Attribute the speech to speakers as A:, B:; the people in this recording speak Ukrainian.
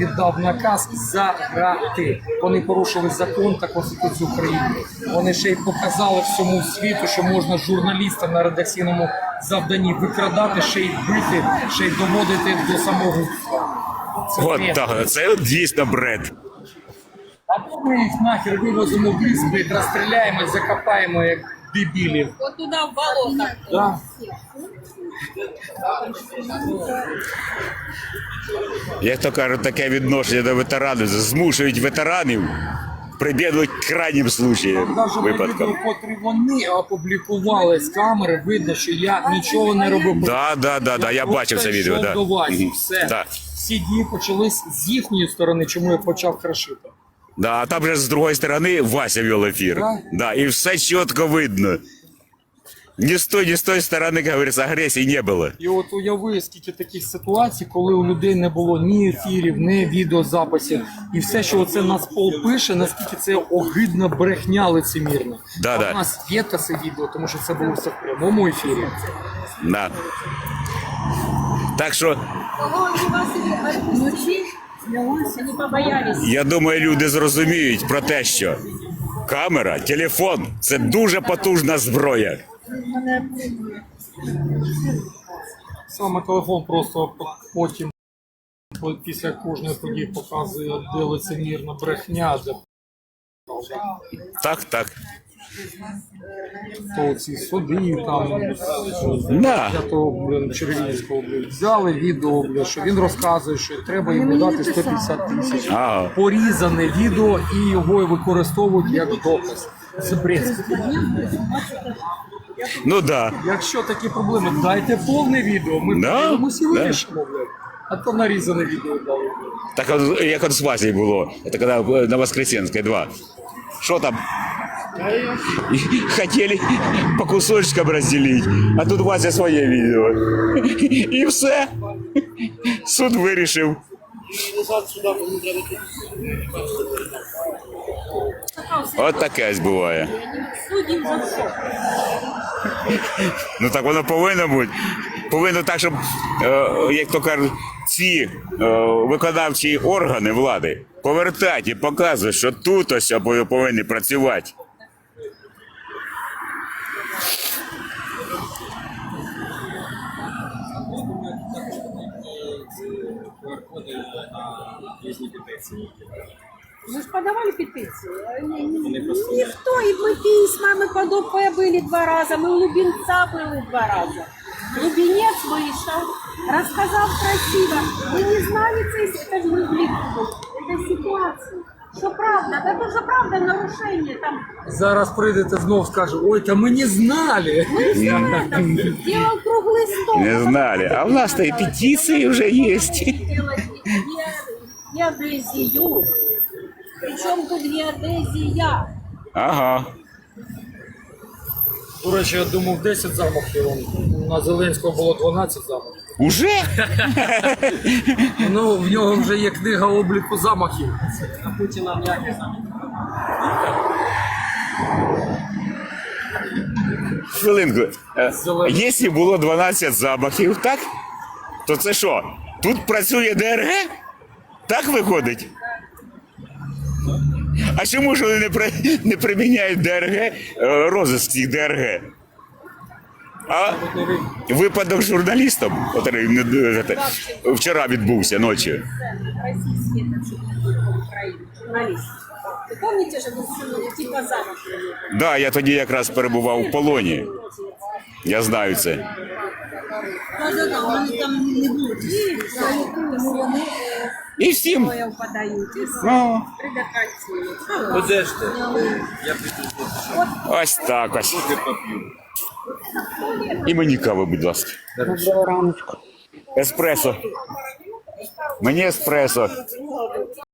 A: віддав наказ заграти. Вони порушили закон та Конституцію України. Вони ще й показали всьому світу, що можна журналіста на редакційному завданні викрадати, ще й бити, ще й доводити до самогубства.
B: От так, це от дійсно бред.
A: Або ми їх нахер вивозимо в ліс, блядь, розстріляємо і закопаємо як дебілів.
C: Вот туда, в болото.
A: Да.
B: Як то кажуть, таке відношення до ветеранів, змушують ветеранів прибігнуть к крайнім случаям,
A: Навіть
B: випадкам.
A: відео, котрі вони опублікували з камери, видно, що я нічого не робив.
B: Да, я бачив це відео. Да.
A: До Васі,
B: Мгм.
A: все.
B: Да.
A: Всі дії почались з їхньої сторони, чому я почав крашити.
B: Да, а там же з другої сторони Вася вел ефір.
A: Да?
B: Да, і все чітко видно. Ні з тої сторони, як говориться, агресії не було.
A: І от уяви, скільки таких ситуацій, коли у людей не було ні ефірів, ні відеозаписів. І все, що оце Нацпол пише, наскільки це огидна брехня лицемірна.
B: Да.
A: У нас є це відео, тому що це було все в прямому ефірі.
B: Да. Так що,
C: Кого они вас отпустили? Они побоялись.
B: я думаю, люди зрозуміють про те, що камера, телефон – це дуже потужна зброя.
A: Саме телефон просто потім після кожної події показує, де лицемірна брехня, де
B: Так.
A: то ці суди, там
B: Да.
A: для того, Червінського взяли відео, що він розказує, що треба йому дати 150 тисяч.
B: Ага.
A: Порізане відео і його використовують як доказ. Це бред.
B: Ну да.
A: Якщо такі проблеми, дайте повне відео, ми
B: Да,
A: подивимось і
B: да.
A: вирішимо, блядь. А то нарізане відео дали.
B: Так от, як от з Васей було, це коли на Воскресенській 2. Що там? Хотіли по кусочкам розділити, а тут Вася своє відео. І все. Суд вирішив. От таке ось буває.
C: Судим за все.
B: Ну так воно повинно бути. Повинно так, щоб, як то кажуть, ці виконавчі органи влади повертати і показувати, що тут ось повинні працювати.
C: Мы же подавали петицию. Никто, и мы письма, мы под ОП были 2 раза, мы у Лубенца были 2 раза. Лубенец вышел, рассказал красиво. Мы не знали, это же это ситуация. Что правда, это же правда нарушение там.
A: Зараз прийдете знов скаже, ой, та ми не знали.
C: Мы знаем, там, делал круглый стол.
B: Не знали. А в нас-то и петиции уже есть.
C: Делать геодезию. Причем тут геодезия.
B: Ага.
A: До речі, я думав 10 замахів. На Зеленського було 12 замахів.
B: Уже?
A: Ну, в нього вже є книга обліку замахів. А Путіна ніяких замахів.
B: Хвилинку. Якщо було 12 замахів, так? То це що? Тут працює ДРГ? Так виходить? А чому ж вони не приміняють ДРГ, розиск цих ДРГ? А випадок з журналістом, який вчора відбувся ночі.
C: Российские Украины, журналисты. Вы помните же, вы типа замок?
B: Да, я тоді якраз перебував у полоні. Я знаю це.
C: Да, вони там не будуть.
B: І всім.
C: Подають, і
B: Ну,
C: предохранці.
A: Де ж ти?
B: ось так ось. І мені кави, будь ласка.
D: Доброго раночку.
B: Еспресо. Мені еспресо.